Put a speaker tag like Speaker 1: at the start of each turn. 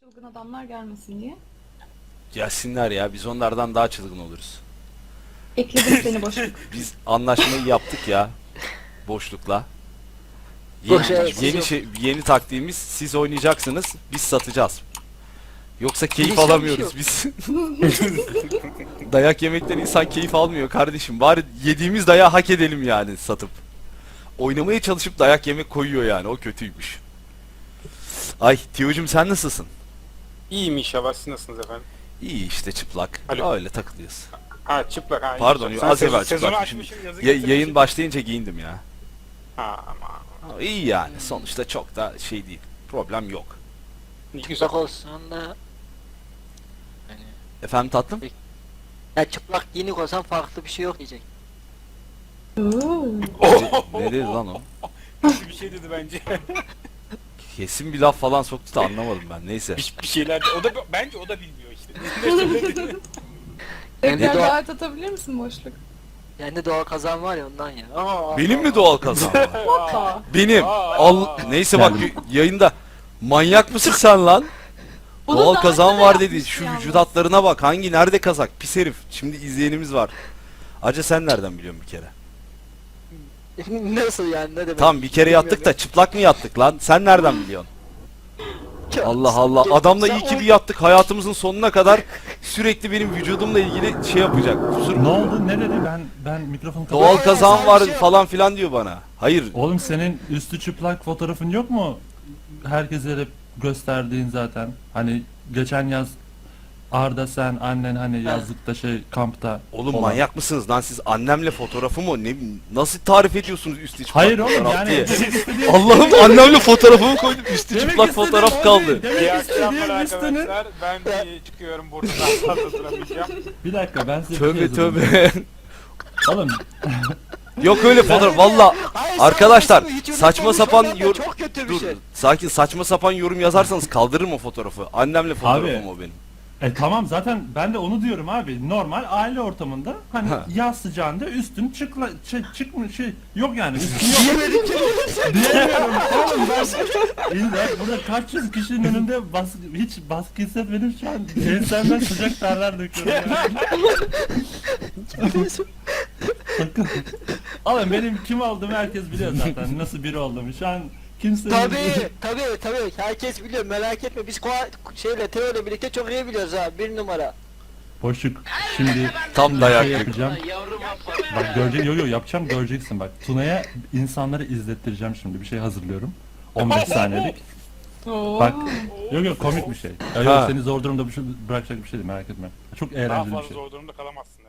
Speaker 1: Çılgın adamlar gelmesin diye.
Speaker 2: Gelsinler ya, biz onlardan daha çılgın oluruz.
Speaker 1: Ekledim seni boşluk.
Speaker 2: Biz anlaşmayı yaptık ya boşlukla.
Speaker 3: Boş
Speaker 2: Yeni,
Speaker 3: evet,
Speaker 2: yeni,
Speaker 3: yok.
Speaker 2: yeni taktiğimiz, siz oynayacaksınız, biz satacağız. Yoksa keyif
Speaker 3: Bilinçli bir
Speaker 2: alamıyoruz
Speaker 3: şey
Speaker 2: biz. Dayak yemekten insan keyif almıyor kardeşim. Bari yediğimiz dayağı hak edelim yani satıp. Oynamaya çalışıp dayak yemek koyuyor yani, o kötüymüş. Ay Tiyo'cum, sen nasılsın?
Speaker 4: İyiyim inşallah. Siz nasılsınız efendim?
Speaker 2: İyi işte, çıplak.
Speaker 4: Alo.
Speaker 2: Öyle takılıyoruz.
Speaker 4: Ha çıplak ha.
Speaker 2: Pardon,
Speaker 4: inşallah.
Speaker 2: az
Speaker 4: Sen
Speaker 2: evvel
Speaker 4: sezonu
Speaker 2: çıplakmışım.
Speaker 4: açmışım, yazı
Speaker 2: Yayın
Speaker 4: getirmişim.
Speaker 2: başlayınca giyindim ya.
Speaker 4: Ha ama.
Speaker 2: Ama İyi yani, sonuçta çok da şey değil. Problem yok.
Speaker 4: Ne güzel.
Speaker 3: Çıplak olsan da yani,
Speaker 2: Efendim tatlım?
Speaker 3: ya çıplak giyinik olsan farklı bir şey yok diyecek.
Speaker 1: Oo.
Speaker 2: Ne dedi lan o?
Speaker 4: Kötü bir şey dedi bence.
Speaker 2: Kesin bir laf falan soktu da anlamadım ben, neyse.
Speaker 4: bir şeyler de, o da bence o da bilmiyor işte. Ne söyledi?
Speaker 1: Tekrar
Speaker 3: doğa-
Speaker 1: davet atabilir misin boşluk?
Speaker 3: Yani doğal kazan var ya ondan ya.
Speaker 2: Benim mi doğal kazan var?
Speaker 1: Hoppa.
Speaker 2: Benim. Neyse bak, yayında manyak mısın sen lan?
Speaker 1: Bunu
Speaker 2: Doğal
Speaker 1: daha
Speaker 2: kazan
Speaker 1: önce de
Speaker 2: var dedi.
Speaker 1: yapmıştı
Speaker 2: Şu
Speaker 1: yalnız.
Speaker 2: vücut hatlarına bak. Hangi nerede kazak? Pis herif. Şimdi izleyenimiz var. Acı sen nereden biliyorsun bir kere?
Speaker 3: Nasıl yani, ne demek?
Speaker 2: Tamam, bir kere yattık da çıplak mı yattık lan? Sen nereden biliyorsun? Allah Allah. Adamla iyi ki bir yattık. Hayatımızın sonuna kadar sürekli benim vücudumla ilgili şey yapacak. Kusur.
Speaker 5: Ne oldu? Ne dedi? Ben mikrofonu
Speaker 2: Doğal
Speaker 5: kapattım.
Speaker 2: kazan
Speaker 3: sen
Speaker 2: var
Speaker 3: bir şey-
Speaker 2: falan filan diyor bana. Hayır.
Speaker 5: Oğlum senin üstü çıplak fotoğrafın yok mu? Herkese hep gösterdiğin zaten. Hani geçen yaz Arda, sen, annen hani yazlıkta kampta.
Speaker 2: Oğlum
Speaker 5: falan.
Speaker 2: manyak mısınız lan siz? Annemle fotoğrafı mı? Ne, nasıl tarif ediyorsunuz üstü çıplak
Speaker 5: Hayır oğlum
Speaker 2: fotoğraf
Speaker 5: yani
Speaker 2: diye?
Speaker 5: demek istediğim
Speaker 2: Allah'ım, annemle fotoğrafımı koydum, üstü
Speaker 5: Demek
Speaker 2: çıplak
Speaker 5: istediğim
Speaker 2: fotoğraf
Speaker 5: o
Speaker 2: kaldı.
Speaker 5: değil. Demek
Speaker 4: İyi akşamlar
Speaker 5: istediğim üstünü.
Speaker 4: arkadaşlar. Ben çıkıyorum buradan. Daha fazla duramayacağım.
Speaker 5: Bir dakika, ben size bir
Speaker 2: Tövbe
Speaker 5: şey yazayım.
Speaker 2: tövbe.
Speaker 5: Oğlum
Speaker 2: Yok öyle fotoğraf valla.
Speaker 3: Hayır,
Speaker 2: Arkadaşlar,
Speaker 3: sen hiç
Speaker 2: saçma
Speaker 3: unutmamış
Speaker 2: sapan
Speaker 3: olman da
Speaker 2: yorum...
Speaker 3: çok kötü bir
Speaker 2: Dur,
Speaker 3: şey.
Speaker 2: sakin, saçma sapan yorum yazarsanız kaldırırım o fotoğrafı. Annemle fotoğrafım o benim.
Speaker 5: tamam, zaten ben de onu diyorum abi. Normal aile ortamında hani
Speaker 2: Ha.
Speaker 5: yaz sıcağında üstün çıkmış yok yani, üstün yok. Diyemiyorum oğlum ben. İlla burada kaç yüz kişinin önünde hiç baskı hissetmedim şu an. Ensemden sıcak terler döküyorum yani. Bakın. Oğlum benim kim olduğumu herkes biliyor zaten. Nasıl biri olduğumu. Şu an kimse...
Speaker 3: Tabii herkes biliyor, merak etme, biz Teo ile birlikte çok iyi biliyoruz ha, bir numara.
Speaker 5: Boşluk. Şimdi
Speaker 2: Tam
Speaker 5: bir
Speaker 2: dayak
Speaker 5: şey
Speaker 2: yedi.
Speaker 5: yapacağım. Bak göreceksin, yo yapacağım, göreceksin bak. Tuna'ya insanları izlettireceğim şimdi, bir şey hazırlıyorum. 15 saniyelik.
Speaker 1: Oo.
Speaker 5: Bak, yok komik bir şey. Ya,
Speaker 2: Ha.
Speaker 5: yok, seni zor durumda bırakacak bir şey değil, merak etme. Çok
Speaker 4: Daha
Speaker 5: eğlenceli bir
Speaker 4: fazla
Speaker 5: şey.
Speaker 4: zor durumda kalamazsın.